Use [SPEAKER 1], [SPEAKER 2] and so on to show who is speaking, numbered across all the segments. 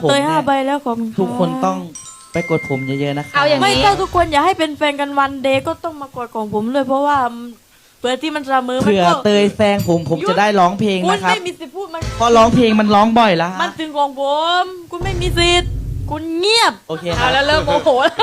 [SPEAKER 1] เตย5 ใบแล้วขอบคุณ
[SPEAKER 2] ทุกคนต้องไปกดผมเยอะๆนะครับ
[SPEAKER 3] เอาอย่าง
[SPEAKER 1] ไม่
[SPEAKER 3] นี้
[SPEAKER 1] ถ้าทุกคนอยากให้เป็นแฟนกันวันเดย์ก็ต้องมากดของผมเลยเพราะว่าเผื่อที่มันเสมอมัน
[SPEAKER 2] เผื่อ
[SPEAKER 1] ก็
[SPEAKER 2] เตยแซงผมจะได้ร้องเพลง
[SPEAKER 1] คุณ
[SPEAKER 2] นะครับ
[SPEAKER 1] ไม่มีสิทธิ์พูดมัน
[SPEAKER 2] เพราะร้องเพลงมันร้องบ่อยแล้ว
[SPEAKER 1] มันถึงของผมคุณไม่มีสิทธิ์คุณเงียบ
[SPEAKER 2] โอเคค
[SPEAKER 3] เอา
[SPEAKER 2] รับ
[SPEAKER 3] แล้วเริ่มโมโหแล้ว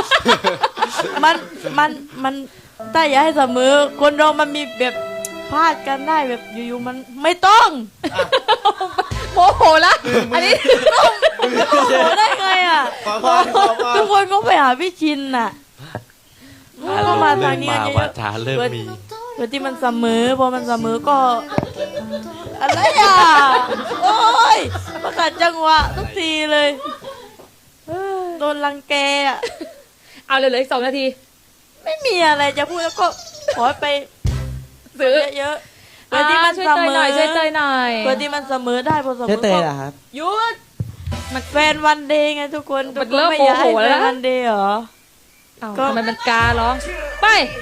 [SPEAKER 1] มันถ้าอยากให้เสมอคนเรามันมีแบบพลาดกันได้แบบอยู่ๆมันไม่ต้อง
[SPEAKER 3] โมโหแล้วอันนี้
[SPEAKER 1] โอ้โหได้ไงอ่ะทุกคนก็ไปหาพี่ชินน่ะก็มาทางนี้กันเย
[SPEAKER 4] ว่า
[SPEAKER 1] อะ
[SPEAKER 4] ช้าเริ่มมี
[SPEAKER 1] ๆเพื่อที่มันเสมอพอมันเสมอก็ อะไรอ่ะโอ้ยประกาศจังหวะทุกทีเลยโดนรังแกอ่ะ
[SPEAKER 3] เอาเลยเหลืออีก2 นาที
[SPEAKER 1] ไม่มีอะไรจะพูดแล้วก็ขอไป
[SPEAKER 3] ซื้อ
[SPEAKER 1] เยอะๆเพื่อที่มัน
[SPEAKER 3] ช่วย
[SPEAKER 1] เส
[SPEAKER 3] เตย
[SPEAKER 1] ม
[SPEAKER 3] หน่
[SPEAKER 1] อ
[SPEAKER 3] อยช่วยเตยหน่อย
[SPEAKER 1] เพื่อที่มันเสมอได้พอเสม
[SPEAKER 2] เจ๊
[SPEAKER 1] อ
[SPEAKER 2] เตย
[SPEAKER 1] ก็
[SPEAKER 2] เหรอครับ
[SPEAKER 1] หยุดมันแฟนวันเดย์ไงทุกคน
[SPEAKER 3] มัน
[SPEAKER 1] ทุกค
[SPEAKER 3] เริ่ม
[SPEAKER 1] ไม่อยากให้
[SPEAKER 3] โมโหแล้ว
[SPEAKER 1] แฟน
[SPEAKER 3] นะ
[SPEAKER 1] วันเดย์เหรอ
[SPEAKER 3] ก็ทำไมมันการ้องไป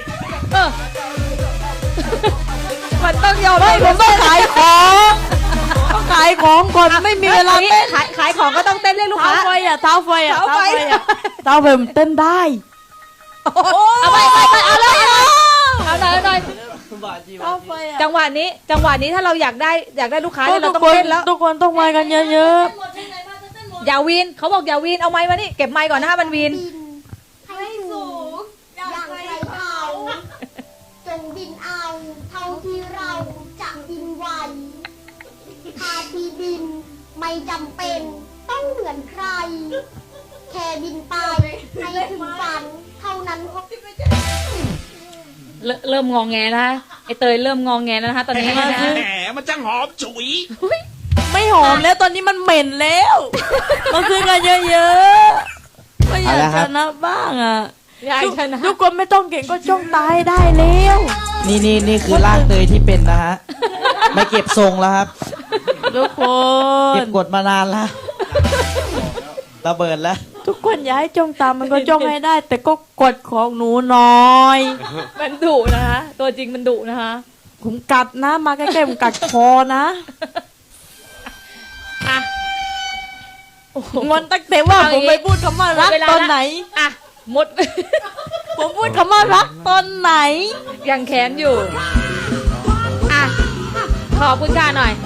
[SPEAKER 3] มันต้องยอม
[SPEAKER 1] ไม่ผมต้องขายของต้องขายของก่อนไม่มีเวลาเต้น
[SPEAKER 3] ขายของก็ต้องเต้นเรียกลูก
[SPEAKER 1] เท้า
[SPEAKER 3] ค้า
[SPEAKER 1] ไฟอ่ะเท้าไฟอ่ะ
[SPEAKER 3] เท้าไฟ
[SPEAKER 1] เท้าไฟมันเต้นได้
[SPEAKER 3] เอาไปเอาเลยเอาหน่อย
[SPEAKER 1] เท้าไฟอ่ะ
[SPEAKER 3] จังหวะนี้ถ้าเราอยากได้ลูกค้า
[SPEAKER 1] ก็
[SPEAKER 3] เนี่ย
[SPEAKER 1] ทุ
[SPEAKER 3] เรา
[SPEAKER 1] ก
[SPEAKER 3] ต้อง
[SPEAKER 1] คน
[SPEAKER 3] เต้นแล้ว
[SPEAKER 1] ทุกคนต้องมากันเยอะ
[SPEAKER 3] อย่าวีนเขาบอกอย่าวีนเอาไม้มานี่เก็บไม้ก่อนนะคะมันวีน
[SPEAKER 5] ให้สูงอย่างไรเขาจงบินเอาเท่าที่เราจะบินไหวหาที่บินไม่จำเป็นต้องเหมือนใคร แค่บินไปให้ถึงฝันเท่านั้นพอ
[SPEAKER 3] เริ่มงองแงนะคะไอเตยเริ่มงองแงแล้วนะคะตอนนี้นะคะ
[SPEAKER 4] แหมมันจังหอมฉุย
[SPEAKER 1] ๆไม่หอมแล้วตอนนี้มันเหม็นแล้วมาซื้อกันเยอะๆก็อยาก
[SPEAKER 2] เอาละค
[SPEAKER 1] ช
[SPEAKER 2] รับ
[SPEAKER 1] นะบ้างอ่ะ
[SPEAKER 3] อยากชนะ
[SPEAKER 1] ทุกคนไม่ต้องเก่งก็จ้องตายได้แล้ว
[SPEAKER 2] นี่คือร่างเตยที่เป็นนะฮะไม่เก็บทรงแล้วครับ
[SPEAKER 1] ทุกค
[SPEAKER 2] เก็
[SPEAKER 1] น
[SPEAKER 2] บกดมานานแล้วระเบิดแล้ว
[SPEAKER 1] ทุกคนอย่าให้จ้องตามมันก็จ้องให้ได้ แต่ก็กดของหนูหน่อย
[SPEAKER 3] มันดุนะคะตัวจริงมันดุนะคะ
[SPEAKER 1] ผมกัดนะมาใกล้ๆผมกัดคอนะ
[SPEAKER 3] อ่ะ
[SPEAKER 1] งอนตั้งแต่ว่าผมไปพูดคำว่ารัก
[SPEAKER 3] เวลา
[SPEAKER 1] ตอน
[SPEAKER 3] ละ
[SPEAKER 1] ไหน
[SPEAKER 3] อ่ะหมด
[SPEAKER 1] ผมพูดคำว่ารักตอนไหน
[SPEAKER 3] ยังแค้นอยู่อ่ะขอบคุณค่ะหน่อย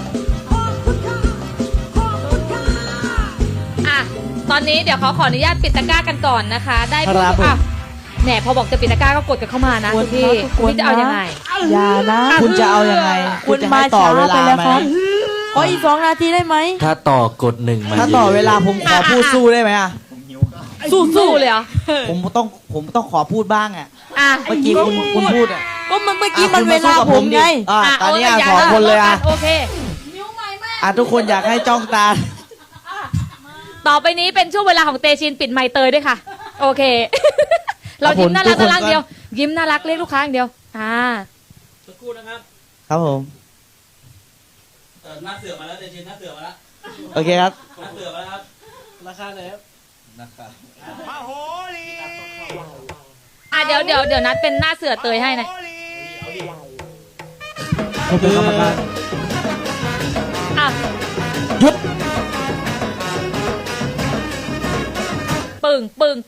[SPEAKER 3] อ่ะตอนนี้เดี๋ยวขออนุญาตปิดตะกร้ากันก่อนนะคะ ได้
[SPEAKER 2] ครับผม
[SPEAKER 3] อ่ะแหนพอบอกจะปิดตะกร้าก็กดกันเข้ามานะ
[SPEAKER 1] ก
[SPEAKER 3] คุ
[SPEAKER 1] ด
[SPEAKER 3] ณพี่
[SPEAKER 1] นะกดนะ
[SPEAKER 3] พี่จะเอายังไง
[SPEAKER 1] อย่านะ
[SPEAKER 2] คุณจะเอายังไง
[SPEAKER 1] คุณ
[SPEAKER 2] จะ
[SPEAKER 1] มา
[SPEAKER 2] ให้ต่อ
[SPEAKER 1] ช้า
[SPEAKER 2] เว
[SPEAKER 1] ไป
[SPEAKER 2] ลา
[SPEAKER 1] แล้ว
[SPEAKER 2] ไหม
[SPEAKER 1] ครับขออีก2 นาทีได้ไหม
[SPEAKER 4] ถ้าต่อกด1มา
[SPEAKER 2] ถ้าต่อเวลาผมขอพูดสู้ได้ไหมอ่ะ
[SPEAKER 3] สู้เลยเหรอ
[SPEAKER 2] ผมต้องขอพูดบ้างอ่ะ
[SPEAKER 3] อ่ะ
[SPEAKER 2] เมื่อกี้คุณพูดอ่ะ
[SPEAKER 1] ก็มันเมื่อกี้มัน
[SPEAKER 2] คุณ
[SPEAKER 1] เว
[SPEAKER 2] สู้
[SPEAKER 1] ลา
[SPEAKER 2] กับ
[SPEAKER 1] ผมไง
[SPEAKER 2] ดิอ่ะตอนนี้อ่ะ
[SPEAKER 3] เา
[SPEAKER 2] สองคนเลยอ่ะ
[SPEAKER 3] โอเค
[SPEAKER 2] อ่ะทุกคนอยากให้จ้องตา
[SPEAKER 3] ต่อไปนี้เป็นช่วงเวลาของเตชินปิดไมค์เตยด้วยค่ะ โอเค เรายิ้มน่ารัก
[SPEAKER 2] ทุกคน
[SPEAKER 3] น่ารักเดียว ยิ้มน่ารักเรียกลูกค้าอย่างเดียว
[SPEAKER 4] สักครู่นะครับ
[SPEAKER 2] ครับผม
[SPEAKER 4] หน้าเสือมาแล้วเดชินหน้าเสือมาแล้ว
[SPEAKER 2] โอเคครับ
[SPEAKER 4] หน้าเสือมาแล้วครับราคาเลยครับราคา
[SPEAKER 3] เดี๋ยวนัดเป็นหน้าเสือเตยให้นะ
[SPEAKER 2] ผมเป็นกรรมการ
[SPEAKER 3] อ่ะ
[SPEAKER 2] หยุด
[SPEAKER 3] ปึ่ง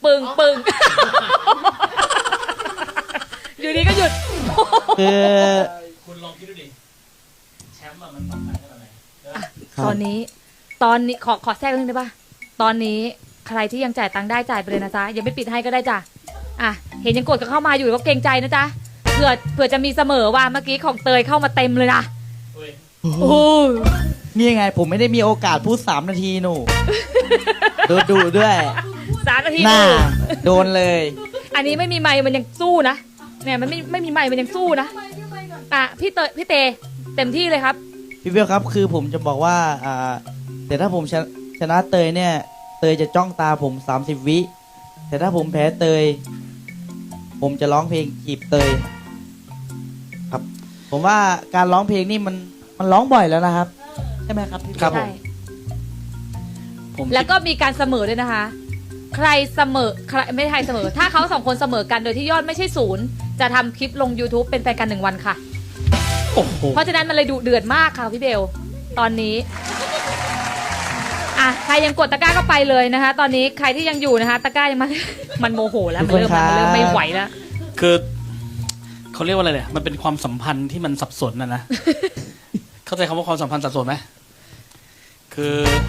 [SPEAKER 3] อยู่ดีก็หยุด
[SPEAKER 2] คือ
[SPEAKER 4] คุณลองคิดดูดิแชมป์อะมันสำคัญขนาดไหน
[SPEAKER 3] ตอนนี้ขอแทรกนิดนึงได้ป่ะตอนนี้ใครที่ยังจ่ายตังค์ได้จ่ายไปเลยนะจ๊ะยังไม่ปิดให้ก็ได้จ้ะอ่ะเห็นยังกดกันเข้ามาอยู่ก็เกรงใจนะจ๊ะเผื่อจะมีเสมอว่าเมื่อกี้ของเตยเข้ามาเต็มเลยนะ
[SPEAKER 2] โอ้นี่ไงผมไม่ได้มีโอกาสพูด3 นาทีหนูดูด้วย
[SPEAKER 3] 3 นาที
[SPEAKER 2] หน้า
[SPEAKER 3] ดู
[SPEAKER 2] โดนเลย
[SPEAKER 3] อันนี้ไม่มีไมค์มันยังสู้นะเนี่ยมันไม่มีไมค์มันยังสู้นะอ่ะพี่เตเต็มที่เลยครับ
[SPEAKER 2] พี่เบลครับคือผมจะบอกว่าแต่ถ้าผมชนะเตยเนี่ยเตยจะจ้องตาผม30 วิแต่ถ้าผมแพ้เตย ผมจะร้องเพลงจีบเตยครับ ผมว่าการร้องเพลงนี่มันร้องบ่อยแล้วนะครับใช่ไหมครับพี่เบล
[SPEAKER 3] ใช่
[SPEAKER 4] ผม
[SPEAKER 3] แล้วก็มีการเสมอด้วยนะคะ ใครเสมอใครไม่ใครเสมอ ถ้าเขา2 คนเสมอกันโดยที่ยอดไม่ใช่0จะทำคลิปลง YouTube เป็นแฟนกัน1 วันค่ะ
[SPEAKER 4] โอ้โห
[SPEAKER 3] เพราะฉะนั้นมันเลยดุเดือดมากค่ะพี่เบลตอนนี้อ่ะใครยังกดตะกร้าก็ไปเลยนะคะ ตอนนี้ใครที่ยังอยู่นะคะ ตะกร้ายังมา มันโมโหแล้วมันเริ่มไม่ไหวแล้ว
[SPEAKER 4] คือเขาเรียกว่าอะไรเนี่ยมันเป็นความสัมพันธ์ที่มันสับสนนะ เข้าใจคำว่าความสัมพันธ์สับสนไหมคือ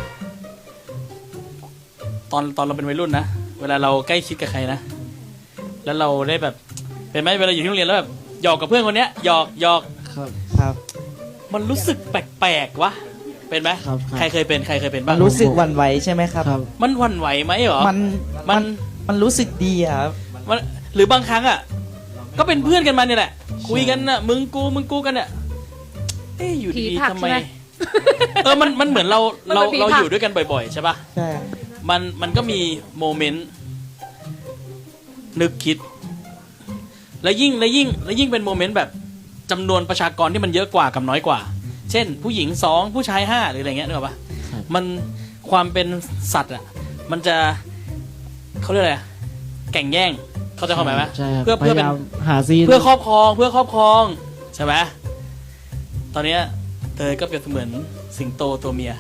[SPEAKER 4] ตอนเราเป็นวัยรุ่นนะเวลาเราใกล้ชิดกับใครนะแล้วเราได้แบบเป็นไหมเวลาอยู่ที่โรงเรียนแล้วแบบหยอกกับเพื่อนคนเนี้ยหยอก
[SPEAKER 2] ครับ
[SPEAKER 4] มันรู้สึกแปลกๆวะเป็นไหม
[SPEAKER 6] ครับ
[SPEAKER 4] ใครเคยเป็นบ้า
[SPEAKER 2] มั
[SPEAKER 4] ง
[SPEAKER 2] นรู้สึกหวั่นไหวใช่ไหมครับ
[SPEAKER 6] ครับ
[SPEAKER 4] มันหวั่นไหวไหมเหรอ
[SPEAKER 2] มันรู้สึกดีอะครับ
[SPEAKER 4] มันหรือบางครั้งอ่ะก็เป็นเพื่อนกันมาเนี่ยแหละคุยกันน่ะมึงกูกันเนี่ยเอ๊ะอยู่
[SPEAKER 3] ผี
[SPEAKER 4] ดี
[SPEAKER 3] ผลัก
[SPEAKER 4] ทำไม
[SPEAKER 3] ใช่ไหม
[SPEAKER 4] มันเหมือนเรา
[SPEAKER 3] มันเป็นผีผลัก
[SPEAKER 4] อยู่ด้วยกันบ่อยๆใช่ปะ
[SPEAKER 2] ใช่
[SPEAKER 4] มันก็มีโมเมนต์นึกคิด แล้วยิ่งเป็นโมเมนต์แบบจำนวนประชากรที่มันเยอะกว่ากับน้อยกว่า เช่น ผู้หญิง2ผู้ชาย5หรืออะไรเงี้ยนึกออกปะ
[SPEAKER 6] ครับ
[SPEAKER 4] มันความเป็นสัตว์อ่ะมันจะเขาเรียกอะไรอะแข่งแย่งเขาใจะเข้าใจไหม
[SPEAKER 6] ใช่ครับ
[SPEAKER 4] เพื่อ
[SPEAKER 6] พ
[SPEAKER 4] เป็น
[SPEAKER 6] ยายามหาซีน
[SPEAKER 4] เพื่อครอบครองใช่ไหมตอนเนี้ยเตยก็เปรียบเสมือนสิงโตตัวเมีย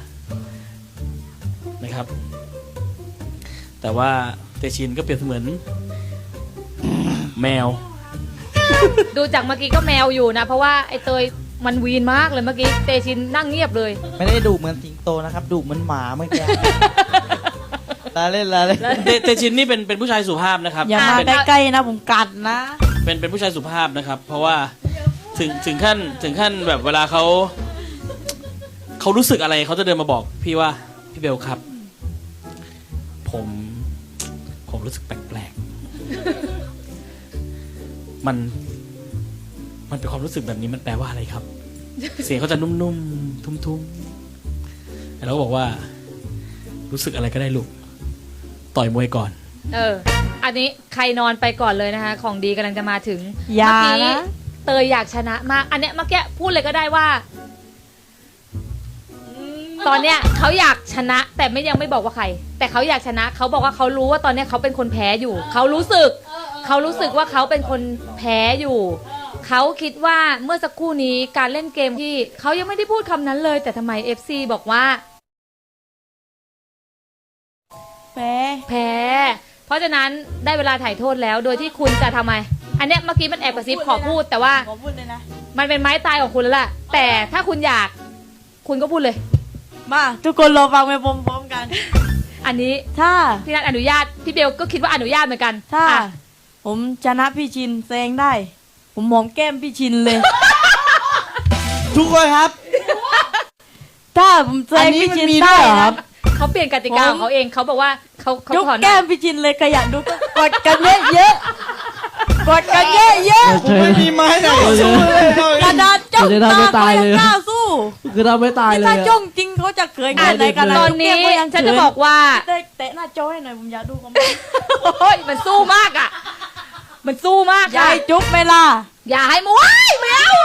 [SPEAKER 4] นะครับ แต่ว่าเตชินก็เปรียบเสมือนแมว
[SPEAKER 3] ดูจากเมื่อกี้ก็แมวอยู่นะ เพราะว่าไอ้เตยมันวีนมากเลยเมื่อกี้เตชินนั่งเงียบเลย
[SPEAKER 2] ไม่ได้ดุเหมือนสิงโตนะครับดุเหมือนหมาเมื่อกี้ ลาเล่น
[SPEAKER 4] เตชินนี่เป็นผู้ชายสุภาพนะครับ
[SPEAKER 1] อย่ามา
[SPEAKER 4] เป็น
[SPEAKER 1] ใกล้ๆนะผมกัดนะ
[SPEAKER 4] เป็นผู้ชายสุภาพนะครับ เพราะว่าถึงขั้นแบบเวลาเขารู้สึกอะไรเขาจะเดินมาบอกพี่ว่าพี่เบลครับ ผมรู้สึกแปลกๆ มันเป็นความรู้สึกแบบนี้มันแปลว่าอะไรครับ เสียงเขาจะนุ่มๆทุ้มๆแล้วก็บอกว่ารู้สึกอะไรก็ได้ลูกต่อยมวยก่อน
[SPEAKER 3] อันนี้ใครนอนไปก่อนเลยนะคะ ของดีกำลังจะมาถึง
[SPEAKER 1] อย่า
[SPEAKER 3] เมื่อกี้
[SPEAKER 1] นะ
[SPEAKER 3] เตยอยากชนะมาก อันเนี้ยเมื่อกี้พูดเลยก็ได้ว่า ตอนเนี้ยเขาอยากชนะ แต่ยังไม่บอกว่าใคร แต่เขาอยากชนะเขาบอกว่าเขารู้ว่าตอนเนี้ยเขาเป็นคนแพ้อยู่เขารู้สึกว่าเขาเป็นคนแพ้อยู่เขาคิดว่าเมื่อสักครู่นี้การเล่นเกมที่เขายังไม่ได้พูดคำนั้นเลย แต่ทำไม FC บอกว่า
[SPEAKER 1] แพ้
[SPEAKER 3] แพ้ เพราะฉะนั้นได้เวลาถ่ายโทษแล้วโดยที่คุณจะทำไม อันเนี้ยเมื่อกี้มันแอบกระซิบขอพูดแต่ว่า
[SPEAKER 1] ขอพูดเลยนะ
[SPEAKER 3] มันเป็นไม้ตายของคุณแล้วล่ะ แต่ถ้าคุณอยากคุณก็พูดเลย
[SPEAKER 1] มาทุกคนรอฟังไปพร้อมๆกัน
[SPEAKER 3] อันนี้
[SPEAKER 1] ถ้า
[SPEAKER 3] พี่นัทอนุญาตพี่เบลก็คิดว่าอนุญาตเหมือนกัน
[SPEAKER 1] ถ้า
[SPEAKER 3] อ่ะ
[SPEAKER 1] ผมชนะพี่ชินแซงได้ ผมหอมแก้มพี่ชินเลย
[SPEAKER 2] ทุกคนครับ
[SPEAKER 1] ถ้าผมแซ
[SPEAKER 2] อัน
[SPEAKER 1] ง
[SPEAKER 2] นี้
[SPEAKER 1] พี่
[SPEAKER 2] มัน
[SPEAKER 1] ชิน
[SPEAKER 2] มีด้
[SPEAKER 1] ได้
[SPEAKER 2] วยเหรอครั
[SPEAKER 1] นะ
[SPEAKER 2] บ
[SPEAKER 3] เขาเปลี่ยนกติกาของเขาเองเขาบอกว่าเขา
[SPEAKER 1] ยก
[SPEAKER 3] ถอน
[SPEAKER 1] แก้มพี่ชินเลยขยันดูก็กดกันเยอะๆกดกันเยอะ
[SPEAKER 6] เชิญ
[SPEAKER 2] ไม่มีไม้ไหนสู้เลย
[SPEAKER 1] ๆกระดาษจ้อง
[SPEAKER 6] เดี๋ยวจะ
[SPEAKER 1] ตา
[SPEAKER 6] ทำให้
[SPEAKER 1] เขา
[SPEAKER 6] ตาย
[SPEAKER 1] ยัง
[SPEAKER 6] เลย
[SPEAKER 1] กล้าสู้
[SPEAKER 6] คือเราไม่ตายเลย
[SPEAKER 1] ถ้า
[SPEAKER 6] อะ
[SPEAKER 1] จ้องจริงเขาจะเขินแค่ไหนกัน
[SPEAKER 3] ตอนนี้
[SPEAKER 1] เขายัง
[SPEAKER 3] ฉันจะบอกว่า
[SPEAKER 1] เตะหน้าจอให้หน่อยผมอยากดูคอมเมนต์
[SPEAKER 3] โอ้ยมันสู้มากอ่ะ มันสู้มาก
[SPEAKER 1] ยา
[SPEAKER 3] ค่ะ
[SPEAKER 1] ยจุ๊บไหมล่ะ
[SPEAKER 3] อย่าให้มว้ายแมว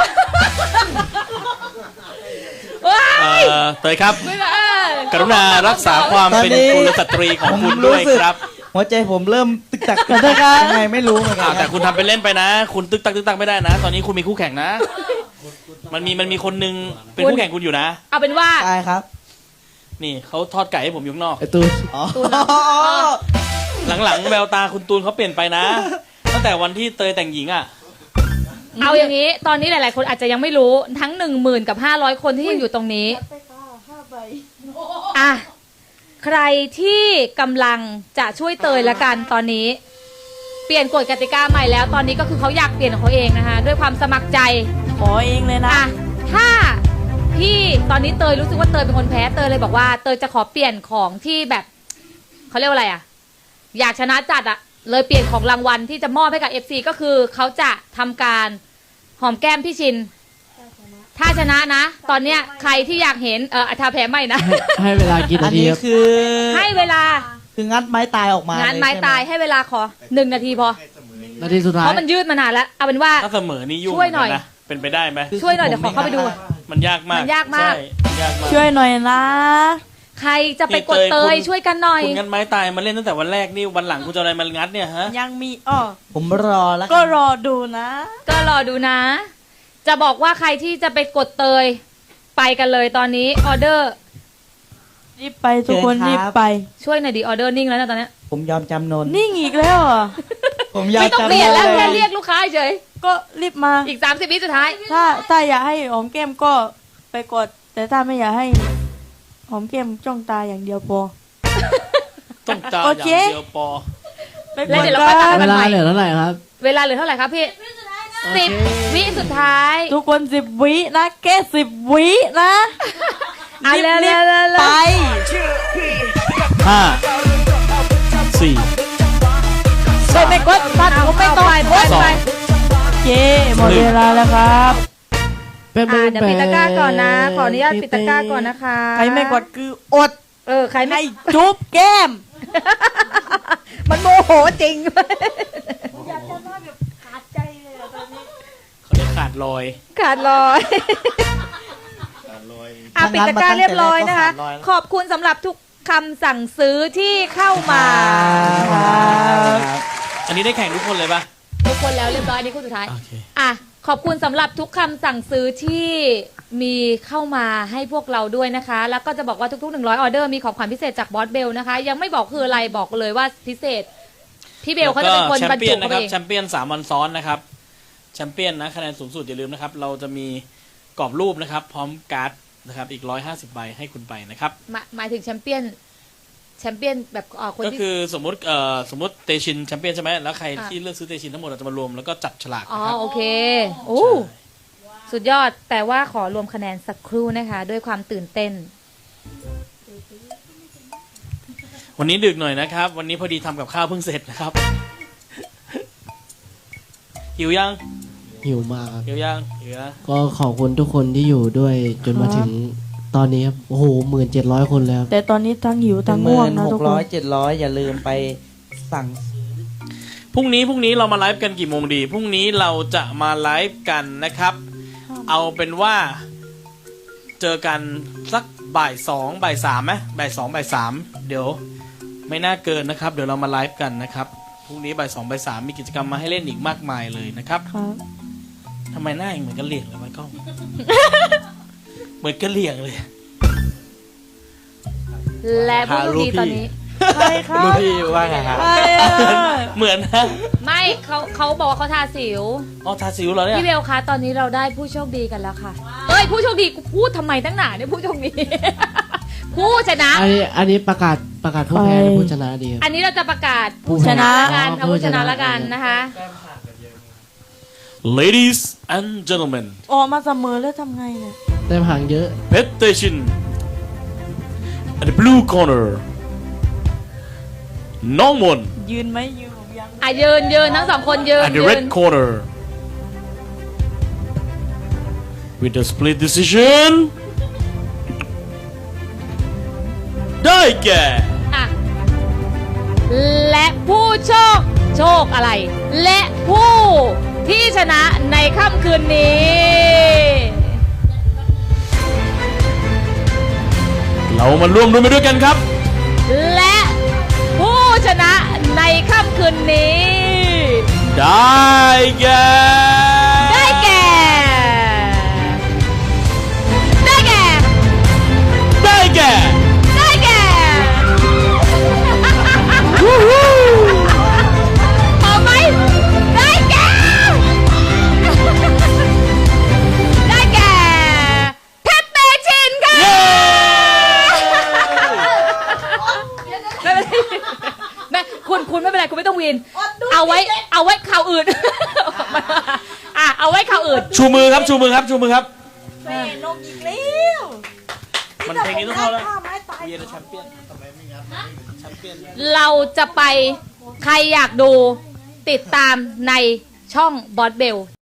[SPEAKER 3] ว้าย
[SPEAKER 4] เตยครับ
[SPEAKER 3] ไม่ได้
[SPEAKER 4] กรุณารักษาความเป็นกุลสตรีของคุณด้วยครับ
[SPEAKER 2] หัวใจผมเริ่มตึกตักกันยังไงไม่รู้เหมือนกั
[SPEAKER 4] แต่
[SPEAKER 2] น
[SPEAKER 4] คุณทำเป็นเล่นไปนะ คุณตึกตักไม่ได้นะ ตอนนี้คุณมีคู่แข่งนะ มันมีคนนึงเป็นคู่แข่งคุณอยู่นะ
[SPEAKER 3] เอาเป็นว่า
[SPEAKER 2] ใช่ครับ
[SPEAKER 4] นี่เขาทอดไก่ให้ผมอยู่ข้างนอก
[SPEAKER 6] ไอ้ตูน
[SPEAKER 2] อ๋อ
[SPEAKER 4] หลังๆแววตาคุณตูนเขาเปลี่ยนไปนะ ตั้งแต่วันที่เตยแต่งหญิงอ่ะ
[SPEAKER 3] เอาอย่างนี้ ตอนนี้หลาย ๆ คนอาจจะยังไม่รู้ทั้ง 10,000 กับ 500 คนที่ยังอยู่ตรงนี้อ่ะใครที่กำลังจะช่วยเตยละกันตอนนี้ เปลี่ยนกฎกติกาใหม่แล้ว ตอนนี้ก็คือเขาอยากเปลี่ยนของเขาเองนะคะด้วยความสมัครใจ
[SPEAKER 1] ขอเองเลยนะ
[SPEAKER 3] อ่ะถ้าพี่ตอนนี้เตยรู้สึกว่าเตยเป็นคนแพ้เตยเลยบอกว่าเตยจะขอเปลี่ยนของที่แบบเขาเรียกว่าอะไรอ่ะอยากชนะจัดอ่ะเลยเปลี่ยนของรางวัลที่จะมอบให้กับ FC ก็คือเขาจะทำการหอมแก้มพี่ชินถ้าชนะนะ ตอนเนี้ยใครที่อยากเห็นถ้าแพ้ไม่นะ
[SPEAKER 6] ให้เวลากี่
[SPEAKER 2] อั
[SPEAKER 6] นาน ที
[SPEAKER 2] นี้
[SPEAKER 6] ครับ
[SPEAKER 2] คือ
[SPEAKER 3] ให้เวลา
[SPEAKER 2] คืองัดไม้ตายออกมาง
[SPEAKER 3] านไม้
[SPEAKER 2] เลใช่ห
[SPEAKER 3] ตายให้เวลาขอ1 นาทีพอ
[SPEAKER 6] นาทีสุดท้า
[SPEAKER 3] เพ
[SPEAKER 6] ย
[SPEAKER 3] ราะมันยืดมานานแล้วเอาเป็นว่า
[SPEAKER 4] ถ้าเสมอนี่ยุ่ง
[SPEAKER 3] ช่วยหน่อย
[SPEAKER 4] เหมืกัะเป็นไปได้ไหม
[SPEAKER 3] ช่วยหน่อยเดี๋ยวขอเข้าไปดู
[SPEAKER 4] มันยากมาก
[SPEAKER 3] มันยากมาก
[SPEAKER 4] ใช่มันยากมาก
[SPEAKER 1] ช่วยหน่อยนะ
[SPEAKER 3] ใครจะไปกดเตยช่วยกันหน่อย
[SPEAKER 4] คุณงัดไม้ตายมาเล่นตั้งแต่วันแรกนี่วันหลังคุณจะเอาอะไรมางัดเนี่ยฮะ
[SPEAKER 1] ยังมีอ้อ
[SPEAKER 2] ผมรอแล้ว
[SPEAKER 1] ก็รอดูนะ
[SPEAKER 3] ก็รอดูนะ จะบอกว่าใครที่จะไปกดเตยไปกันเลยตอนนี้ออเดอร์
[SPEAKER 1] รีบไปทุกคน
[SPEAKER 2] เชิญครับ
[SPEAKER 1] รีบไป
[SPEAKER 3] ช่วยหน่อยดีออเดอร์นิ่งแล้วนะตอนเนี้ย
[SPEAKER 2] ผมยอมจำนน
[SPEAKER 1] นิ่งอีกแล้วเหรอ
[SPEAKER 2] ผมยอม
[SPEAKER 3] ไม่ต้อง
[SPEAKER 2] จำ
[SPEAKER 3] เปลี่ยนแล้ว
[SPEAKER 2] น
[SPEAKER 3] แค่
[SPEAKER 2] น
[SPEAKER 3] เรียกลูกค้าเฉย
[SPEAKER 1] ก็รีบมา
[SPEAKER 3] อีก30 วิสุดท้าย
[SPEAKER 1] ถ้าอยากให้หอมแก้มก็ไปกด แต่ถ้าไม่อยากให้หอมแก้มจ้องตาอย่างเดียวพอ
[SPEAKER 4] ต้องตา
[SPEAKER 1] โอ
[SPEAKER 4] อย่า
[SPEAKER 1] เค
[SPEAKER 4] งเดียวปอ
[SPEAKER 1] ไปก
[SPEAKER 3] แล้ว
[SPEAKER 1] ด
[SPEAKER 3] เดี๋ยวเรา
[SPEAKER 1] กั
[SPEAKER 3] ค่อยตัด
[SPEAKER 1] น
[SPEAKER 6] เวลาเหลือเท่าไหร่ครับ
[SPEAKER 3] เวลาเหลือเท่าไหร่ครับพี่
[SPEAKER 6] โอเค
[SPEAKER 3] 10 วิสุดท้าย
[SPEAKER 1] ทุกคน10 วินะแค่10 วินะ
[SPEAKER 3] อ่ะ
[SPEAKER 1] รีบ
[SPEAKER 3] เร็วๆๆๆ
[SPEAKER 1] ไป
[SPEAKER 4] ห้าสี่
[SPEAKER 1] ไม่กดตัดผมไม่ต้อง
[SPEAKER 3] ไป
[SPEAKER 1] กด
[SPEAKER 4] สอง
[SPEAKER 1] โอเคหมดเวลาแล้วครับ
[SPEAKER 3] เดี๋ยวปิดตะกร้าก่อนนะ ขออนุญาตปิดตะกร้าก่อนนะคะ
[SPEAKER 1] ใครไม่กดคืออด
[SPEAKER 3] ใครไม่
[SPEAKER 1] ให้จุ๊บแก้ม
[SPEAKER 3] มันโมโหจริง
[SPEAKER 1] อยากจะมาแบบขาดใจเลยตอนนี้
[SPEAKER 4] เขาเรียกขาดลอย
[SPEAKER 3] ขาดลอยปิดตะกร้าเรียบร้อยนะคะ ขอบคุณสำหรับทุกคำสั่งซื้อที่เข้ามา
[SPEAKER 4] อันนี้ได้แข่งทุกคนเลยปะ
[SPEAKER 3] ทุกคนแล้วเรียบร้อยนี่คู่สุดท้าย
[SPEAKER 4] โอเค
[SPEAKER 3] อ่ะขอบคุณสำหรับทุกคำสั่งซื้อที่มีเข้ามาให้พวกเราด้วยนะคะ แล้วก็จะบอกว่าทุกๆ100ออเดอร์มีของขวัญพิเศษจากบอสเบลนะคะ ยังไม่บอกคืออะไรบอกเลยว่าพิเศษ พี่เบลเขาจะเป็นคน
[SPEAKER 4] แช
[SPEAKER 3] บร
[SPEAKER 4] ม
[SPEAKER 3] ร
[SPEAKER 4] เปี้
[SPEAKER 3] จุ
[SPEAKER 4] ยน
[SPEAKER 3] เข้า
[SPEAKER 4] นะ
[SPEAKER 3] ไป
[SPEAKER 4] ครับ
[SPEAKER 3] เอง
[SPEAKER 4] แชมเปี้ยน3 วันซ้อนนะครับแชมเปี้ยนนะคะแนนสูงสุดอย่าลืมนะครับ เราจะมีกรอบรูปนะครับ พร้อมการ์ดนะครับอีก150 ใบให้คุณไปนะครับ
[SPEAKER 3] หมายถึงแชมเปี้ยนแบบคน
[SPEAKER 4] ก็
[SPEAKER 3] ที่
[SPEAKER 4] คือสมมติเตชินแชมเปี้ยนใช่ไหมแล้วใคร
[SPEAKER 3] ค่ะ
[SPEAKER 4] ที่เลือกซื้อเตชินทั้งหมดเราจะมารวมแล้วก็จับฉลาก
[SPEAKER 3] อ๋อ
[SPEAKER 4] นะครับ
[SPEAKER 3] โอเคโอ้สุดยอดแต่ว่าขอรวมคะแนนสักครู่นะคะ ด้วยความตื่นเต้น
[SPEAKER 4] วันนี้ดึกหน่อยนะครับ วันนี้พอดีทำกับข้าวเพิ่งเสร็จนะครับ หิวยัง
[SPEAKER 6] หิวมากครับ
[SPEAKER 4] หิวยังหิวยัง
[SPEAKER 6] ก็ขอบคุณทุกคนที่อยู่ด้วยจนมาถึงตอนนี้ครับ โอ้โห1700 คนแล้ว
[SPEAKER 1] แต่ตอนนี้ทั้งหิวทั้งง่วงนะทุกคน
[SPEAKER 2] 1600 700 อย่าลืมไปสั่ง
[SPEAKER 4] พรุ่งนี้เรามาไลฟ์กันกี่โมงดีพรุ่งนี้เราจะมาไลฟ์กันนะครับ เอาเป็นว่าเจอกันสักบ่าย2บ่าย3ไหมบ่าย2บ่าย3เดี๋ยวไม่น่าเกินนะครับ เดี๋ยวเรามาไลฟ์กันนะครับพรุ่งนี้บ่าย2บ่าย3มีกิจกรรมมาให้เล่นอีกมากมายเลยนะครับ
[SPEAKER 1] ครับ
[SPEAKER 4] ทำไมหน้าเหมือนกระเหลี่ยงเลยไว้กล้อง เหมือนกระเหลี่ยงเลย
[SPEAKER 3] และผู้โชคดีตอนนี้
[SPEAKER 1] ใครครับ
[SPEAKER 2] ลูกพี่ว่าไงครับ
[SPEAKER 1] ใครอ่ะ
[SPEAKER 4] เหมือนนะ
[SPEAKER 3] ไม่เขาบอกว่าเขาทาสิว
[SPEAKER 4] อ๋อทาสิวเหรอเนี่ย
[SPEAKER 3] พี่เบลคะตอนนี้เราได้ผู้โชคดีกันแล้วค่ะเอ้ยผู้โชคดีกูพูดทำไมตั้งหนาเนี่ยผู้โชคดี ผู้ชนะ
[SPEAKER 6] อันนี้ประกาศผู้แพ้หรือผู้ชนะดีครับ
[SPEAKER 3] อันนี้เราจะประกาศ
[SPEAKER 6] ผู้
[SPEAKER 3] ผู้ชนะ
[SPEAKER 6] ชนะ
[SPEAKER 3] ละกัน
[SPEAKER 6] อ๋อ
[SPEAKER 3] เอาผู้ชนะ
[SPEAKER 6] ผู้ชนะ
[SPEAKER 3] ละกันนะคะ
[SPEAKER 4] Ladies and gentlemen
[SPEAKER 1] ออกมาเสมอแล้วทำไงเนี่ย
[SPEAKER 6] ได้ห่างเยอะ
[SPEAKER 4] Petition at the blue corner น้องมน
[SPEAKER 1] ยืนไหมยืนผมยัง
[SPEAKER 3] อ่ะยืนทั้งสองคนยืน
[SPEAKER 4] at the red corner with the split decision ได้แก่
[SPEAKER 3] อ่ะและผู้โชคอะไร และผู้ที่ชนะในค่ำคืนนี้
[SPEAKER 4] เรามาร่วมด้วยไปด้วยกันครับ
[SPEAKER 3] และผู้ชนะในค่ำคืนนี้
[SPEAKER 4] ได้แก่
[SPEAKER 3] ได้แก่ ได้แก่
[SPEAKER 4] ได้แก่
[SPEAKER 3] ได้แก่พอไหมได้แก่ ได้แก่เพชรเตชินค่ะ แม่คุณไม่เป็นไรคุณไม่ต้องวีนเอาไว้ข่าวอื่น อ่ะเอาไว้ข่าวอื่น
[SPEAKER 4] ชูมือครับชูมือครับชูมือครับ
[SPEAKER 1] แม่นกอีกแล้ว
[SPEAKER 4] มันเพลงนี้ต้องเข้าแล้ว
[SPEAKER 1] ข้าไม้ตาย
[SPEAKER 4] เวียร์แชมเปี้ยนแชมเปี้ยน
[SPEAKER 3] เราจะไปใครอยากดูติดตามในช่องบอสเบล